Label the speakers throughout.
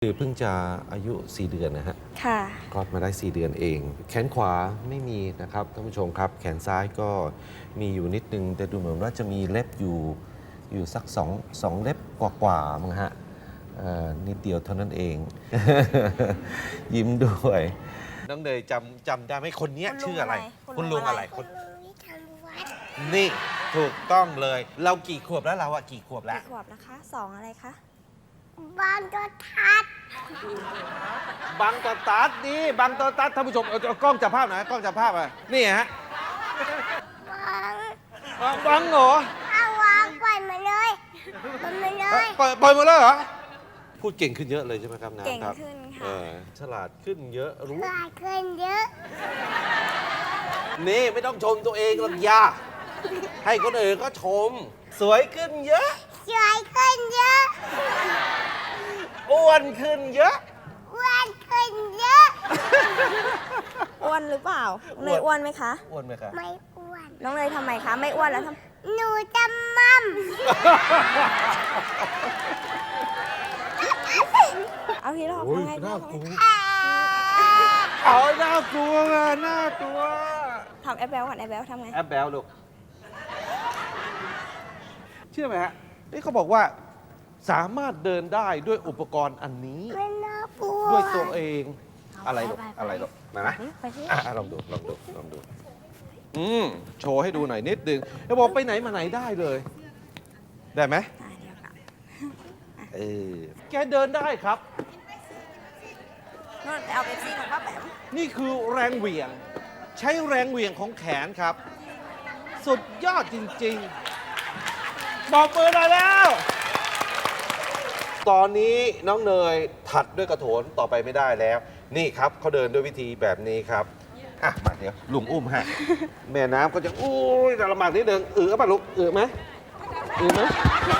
Speaker 1: คือเพิ่งจะอายุ4 เดือนนะฮะ
Speaker 2: ค่ะ
Speaker 1: คลอดมาได้4 เดือนเอง แขนขวาไม่มีนะครับท่านผู้ชมครับ แขนซ้ายก็มีอยู่นิดนึง แต่ดูเหมือนว่าจะมีเล็บอยู่สักสองเล็บกว่าๆมั้งฮะนิดเดียวเท่านั้นเอง ยิ้มด้วย น้องเนยจำได้ไหมคนนี้ชื่ออะไร คุณลุงอะไรคนนี่ถูกต้องเลย เรากี่ขวบแล้วเราอะกี่ขวบแล้ว
Speaker 2: กี่ขวบนะคะ2อะไรคะ
Speaker 3: บางตัวทัด
Speaker 1: บังตอตัดนี่บังตอตัดท่านผู้ชมเอากล้องจับภาพหน่อยกล้องจับภาพอ่ะนี่ฮะ
Speaker 3: บาง
Speaker 1: บังเหรอ
Speaker 3: เอาวางปล่อยมาเลยปล่อยมาเลย
Speaker 1: ปล่อยหมดแล้วเหรอพูดเก่งขึ้นเยอะเลยใช่ไหมครับน้ำ
Speaker 2: เก่ง
Speaker 1: ครับ
Speaker 2: ขึ้นค่ะ
Speaker 1: ฉลาดขึ้นเยอะรู้
Speaker 3: กลายขึ้นเยอะ
Speaker 1: นี่ไม่ต้องชมตัวเองหรอกยาให้คนอื่นก็ชม สวยขึ้นเยอะ
Speaker 3: สวยขึ้นเยอะ
Speaker 1: อ้วนขึ้นเยอะ
Speaker 3: อ้วนขึ้นเยอะ
Speaker 2: อ้วนหรือเปล่า
Speaker 1: อ้วน
Speaker 2: เนยอ้วนไหมคะ
Speaker 1: อ้วนไหมครับ
Speaker 3: ไม่อ้วน
Speaker 2: น้องเนยทำไมคะ ไม่อ้วนแล้วท
Speaker 3: หนูจะมั่ม
Speaker 2: ำเอาพี่หลอก
Speaker 1: โอ้ย
Speaker 2: ทำไง
Speaker 1: น่ากลัว
Speaker 3: อ่า
Speaker 1: เอาน่ากลัวอะน่ากลัว
Speaker 2: ทำแอปแบลก่อนแอปแบลทำไง
Speaker 1: แอปแบลลูกเชื่อไหมฮะนี่เขาบอกว่าสามารถเดินได้ด้วยอุปกรณ์อันนี้
Speaker 3: ไม่น่ากลัว
Speaker 1: ด้วยตัวเอง อะไรลูก
Speaker 2: ไป
Speaker 1: อะไรลูกมาไหม
Speaker 2: ไปสิ
Speaker 1: ลองดูโชว์ให้ดูหน่อยนิดนึงแล้วบอกไปไหนมาไหนได้เลย ได้ไหม
Speaker 2: อ่ะเดี๋ยวก่อน
Speaker 1: เออแกเดินได้ครับ
Speaker 2: นู่นไปเอาเป๊ปซี่ของป้าแปม
Speaker 1: นี่คือแรงเหวี่ยง ใช้แรงเหวี่ยงของแขนครับ สุดยอดจริงๆบอกมือหน่อยแล้ว ตอนนี้น้องเนยถัดด้วยกระโถนต่อไปไม่ได้แล้ว นี่ครับเขาเดินด้วยวิธีแบบนี้ครับอ่ะมาเดี๋ยวลุงอุ้มฮะ แม่น้ำก็จะอุ้ยจะลำบากนิดนึงป่ะลูกไหมไหม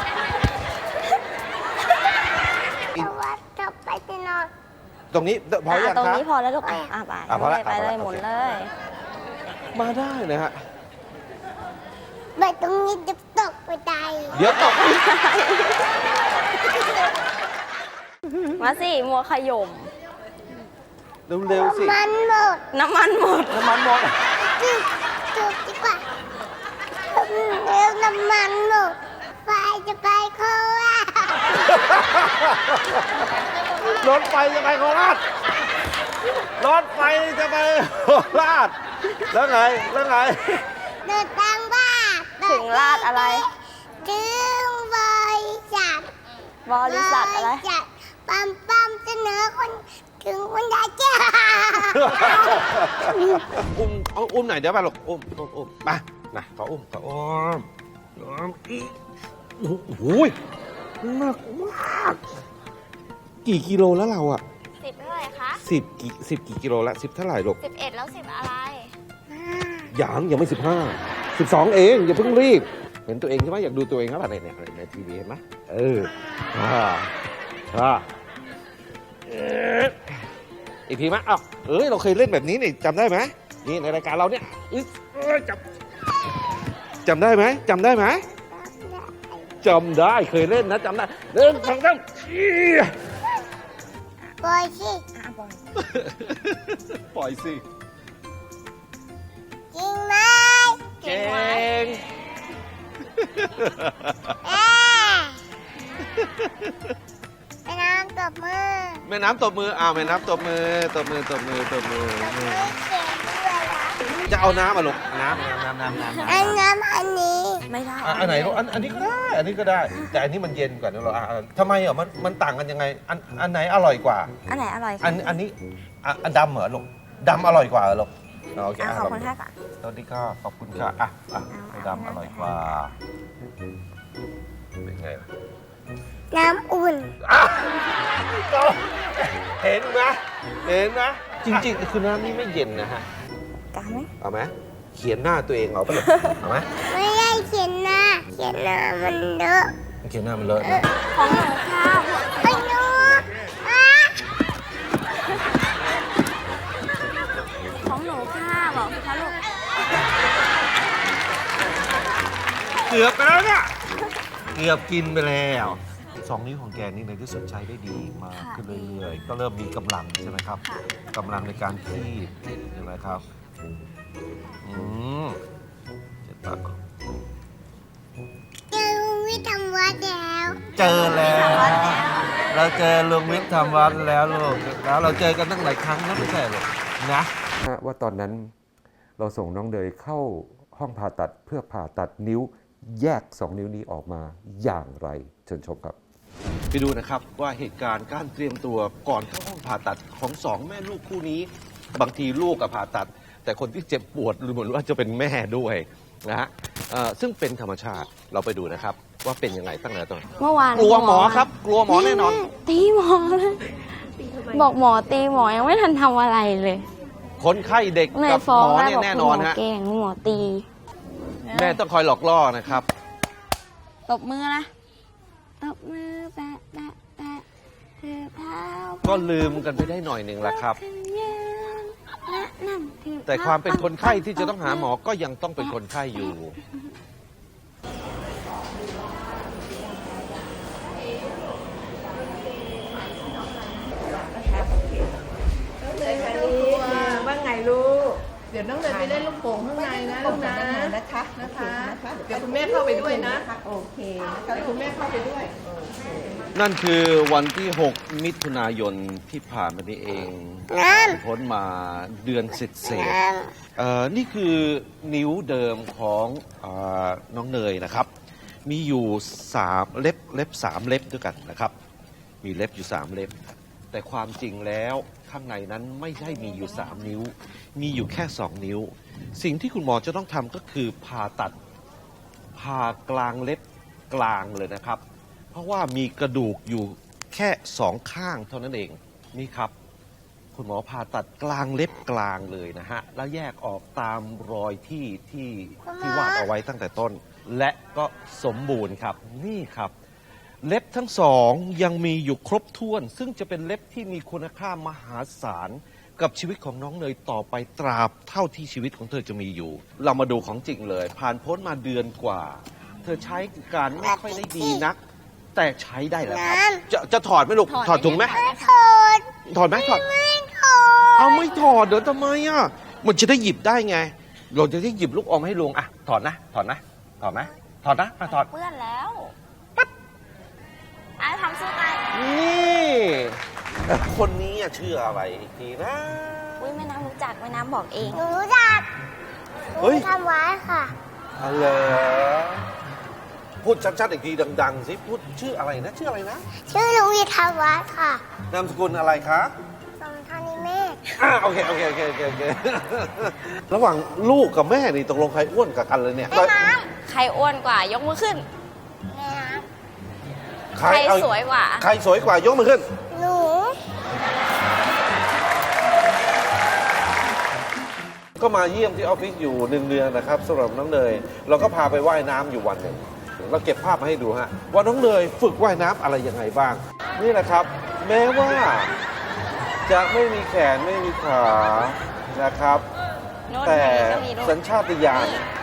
Speaker 3: แต่ว่าจะไปที่นอน
Speaker 1: ตรงนี้พออย่าง
Speaker 2: ตรง
Speaker 1: ครับ
Speaker 2: นี้พอแล้วลูกอ่ะไป
Speaker 1: พอแล้ว
Speaker 2: ไปเลย
Speaker 1: โอเค
Speaker 2: หมุนเลย
Speaker 1: มาได้นะฮะ
Speaker 3: ไปตรงนี้จะตกไปตาย
Speaker 1: เดี๋ยวตก
Speaker 2: มาสิมัวขย่ม
Speaker 1: เร็วๆสิ
Speaker 3: มันหมด
Speaker 2: น้ำมันหมด
Speaker 1: น้ำมันหมด
Speaker 3: จุดดีกว่าเร็วน้ำมันหมดไฟจะไปโคราช
Speaker 1: รถไฟจะไปโคราชรถไฟจะไปโคราชแล้วไง
Speaker 3: เดินทางบ้าน
Speaker 2: ถึงลาดอะไร
Speaker 3: ถึงบริษัท
Speaker 2: บริษัทอะไร
Speaker 3: บษัทปั๊มเสนอคนถึงคนยายเจ้า
Speaker 1: อุ้มหน่อยเดี๋ยวไปหรอกอุ้มมานะขออุ้มโอ้โหหนักมากกี่กิโลแล้วเราอะ
Speaker 2: 10เท่าไหร่คะ
Speaker 1: 10 กี่กิโลแล้ว10 เท่าไหร่ลูก
Speaker 2: 11แล้ว10อะไร
Speaker 1: ยังไม่12 เองอย่าเพิ่งรีบ เห็นตัวเองใช่ไหมอยากดูตัวเองครับเนี่ยในทีวีเห็นไหมอีกทีไหมอ้าวเราเคยเล่นแบบนี้นี่จำได้ไหมนี่ในรายการเราเนี่ยจำได้ไหมจำได้เคยเล่นนะจำได้เริ่มฟังกัน
Speaker 3: ปล่อยสิ
Speaker 1: ปล่อยสิ
Speaker 3: จริงไหม
Speaker 1: เก่ง
Speaker 3: ไปน้ำตบมือ
Speaker 1: แม่น้ำตบมือแม่น้ำตบมือ
Speaker 3: ตบมือเก่งด้วยนะ
Speaker 1: จะเอาน้ำมาลูกน้ำ
Speaker 3: อันน้ำอันนี้
Speaker 2: ไม่ได้
Speaker 1: อันไหนลูกอันนี้ก็ได้ อันนี้ก็ได้ แต่อันนี้มันเย็นกว่านะเราทำไมมันต่างกันยังไง อันไหนอร่อยกว่า
Speaker 2: อันไหนอร่อยคะ
Speaker 1: อันนี้อันดำเหรอลูกดำอร่อยกว่าเหรอลูกโอเค
Speaker 2: ขอบคุณค่ะก่อน
Speaker 1: สวัสดีค่ะขอบคุณค่ะดำอร่อยกว่าเป็นไงล่ะ
Speaker 3: น้ำอุ่น
Speaker 1: เห็นไหมจริงๆคือน้ำนี่ไม่เย็นนะฮะ
Speaker 2: กล้าไหม
Speaker 1: เอาไหมเขียนหน้าตัวเองเอาไปเลยเอาไหม
Speaker 3: ไม่ได้เขียนหน้ามันเลอะ
Speaker 1: เขียนหน้ามันเลอะนะ
Speaker 2: ของหนูค่ะ
Speaker 3: ไอ้หนูอ่ะ
Speaker 2: ของหนูค่ะบอกสิคะลูก
Speaker 1: เกือบไปแล้วเนี่ยเกือบกินไปแล้ว 2 นิ้วของแกนี่ในที่สุดใช้ได้ดีมาก
Speaker 2: ค่ะ
Speaker 1: ขึ้นเรื่อยๆ ก็เริ่มมีกำลังใช่ไหมครับ
Speaker 2: ค่ะ
Speaker 1: กำลังในการคีบใช่ไหมครับเจ็ดปาก
Speaker 3: เจอลุงวิทย์ทำวัดแล้ว
Speaker 1: เจอแล้ว เราเจอลุงวิทย์ทำวัดแล้วลูกแล้วเราเจอกันตั้งหลายครั้งแล้วไม่ใช่หรอนะว่าตอนนั้นเราส่งน้องเดยเข้าห้องผ่าตัดเพื่อผ่าตัดนิ้วแยก 2 นิ้วนี้ออกมาอย่างไรเชิญชมครับ ไปดูนะครับว่าเหตุการณ์การเตรียมตัวก่อนเข้าห้องผ่าตัดของสองแม่ลูกคู่นี้ บางทีลูกกับผ่าตัด แต่คนที่เจ็บปวดหรือเหมือนว่าจะเป็นแม่ด้วยนะฮะซึ่งเป็นธรรมชาติเราไปดูนะครับ ว่าเป็นยังไงตั้งแต่ตอน
Speaker 2: เมื่อวาน
Speaker 1: กลัวหมอครับ กลัวหมอแน่นอน
Speaker 2: ตีหมอเลยบอกหมอตีหมอยังไม่ทันทำอะไรเลย
Speaker 1: คนไข้เด็ก
Speaker 2: ใน
Speaker 1: กับ
Speaker 2: ฟ้อ
Speaker 1: ห
Speaker 2: ง
Speaker 1: มอ
Speaker 2: แม่
Speaker 1: เนี่ย
Speaker 2: บอก
Speaker 1: แน่
Speaker 2: คุณ
Speaker 1: น
Speaker 2: ห
Speaker 1: อน
Speaker 2: มอ
Speaker 1: ฮะ
Speaker 2: เก่งคุณหมอตี
Speaker 1: แม่ต้องคอยหลอกล่อนะครับ
Speaker 2: ตบมือนะตบมือแปะแปะแปะถือเท้า
Speaker 1: ก็ลืมกันไปได้หน่อยหนึ่งละครับ
Speaker 2: ขึ้นยืนและนั่งถือ
Speaker 1: แต่ความเป็นคนไข้ที่จะต้องหาหมอก็ยังต้องเป็นคนไข้อยู่
Speaker 4: ว่าไงลูก เดี๋ยวน้องเดินไปเล่นลูกโป่งข้างในนะลูกนะนะคะเดี๋ยวคุณแม่เข้าไปด้วยนะโอเคเดี๋ยวคุณแม่เข้าไปด้วย
Speaker 1: นั่นคือวันที่ 6 มิถุนายนที่ผ่านมานี้เอง
Speaker 3: น้
Speaker 1: พ้นมาเดือนเศษ
Speaker 3: ำน้
Speaker 1: นี่คือนิ้วเดิมของน้องเนยนะครับ มีอยู่3เล็บ3เล็บด้วยกันนะครับ มีเล็บอยู่3เล็บ แต่ความจริงแล้วข้างในนั้นไม่ใช่มีอยู่3นิ้ว มีอยู่แค่2นิ้ว สิ่งที่คุณหมอจะต้องทำก็คือผ่าตัดผ่ากลางเล็บกลางเลยนะครับ เพราะว่ามีกระดูกอยู่แค่2ข้างเท่านั้นเองนี่ครับ คุณหมอผ่าตัดกลางเล็บกลางเลยนะฮะแล้วแยกออกตามรอยที่วาดเอาไว้ตั้งแต่ต้น และก็สมบูรณ์ครับนี่ครับ เล็บทั้งสองยังมีอยู่ครบถ้วน ซึ่งจะเป็นเล็บที่มีคุณค่ามหาศาลกับชีวิตของน้องเนยต่อไปตราบเท่าที่ชีวิตของเธอจะมีอยู่ เรามาดูของจริงเลย ผ่านพ้นมาเดือนกว่า เธอใช้การไม่ค่อยได้ดีนัก แต่ใช้ได้แล้วครับ จะถอดไหมลูกถอดถุงไหม
Speaker 3: ำโทษ
Speaker 1: ถอดไหมถอด
Speaker 3: ไม่โทษ
Speaker 1: เอาไม่ถอดเดี๋ยวทำไมอ่ะมันจะได้หยิบได้ไง เราจะได้หยิบลูกอมให้ลุงอ่ะถอดนะถอดนะถอดไหมถอดนะมาถอด
Speaker 2: เปื้อนแล้วปั๊บอ่ะทำสู้กัน
Speaker 1: นี่คนนี้อะชื่ออะไรอีกทีนะ
Speaker 2: อุ้ยแม่น้ำรู้จักแม่น้ำบอกเอง
Speaker 3: หนูรู้จักหนู
Speaker 1: เฮ้ย
Speaker 3: ทำไว้ค่ะ
Speaker 1: อะไรพูดชัดๆอีกทีดังๆสิพูดชื่ออะไรนะชื่ออะไรนะ
Speaker 3: ชื่อลุงวิทย์ทำวัดค่ะ
Speaker 1: นามสกุลอะไรคะ
Speaker 3: สมทานิเมฆ
Speaker 1: โอเคระหว่างลูกกับแม่นี่ตกลงใครอ้วนกับกันเลยเนี่ย
Speaker 3: แม่น้
Speaker 2: ใครอ้วนกว่ายกมือขึ้น
Speaker 3: ำแม่น้
Speaker 2: ใครสวยกว่า
Speaker 1: ใครสวยกว่ายกมือขึ้น
Speaker 3: ำหนู
Speaker 1: ก็มาเยี่ยมที่ออฟฟิศอยู่1 เดือนนะครับสำหรับน้องเนยเราก็พาไปว่ายน้ำอยู่วันหนึ่งเราเก็บภาพมาให้ดูฮะว่าน้องเนยฝึกว่ายน้ำอะไรยังไงบ้าง นี่แหละครับ แม้ว่าจะไม่มีแขนไม่มีขานะครับ
Speaker 2: โน่น
Speaker 1: แต่
Speaker 2: ก็มีลูก
Speaker 1: สัญชาตญาณ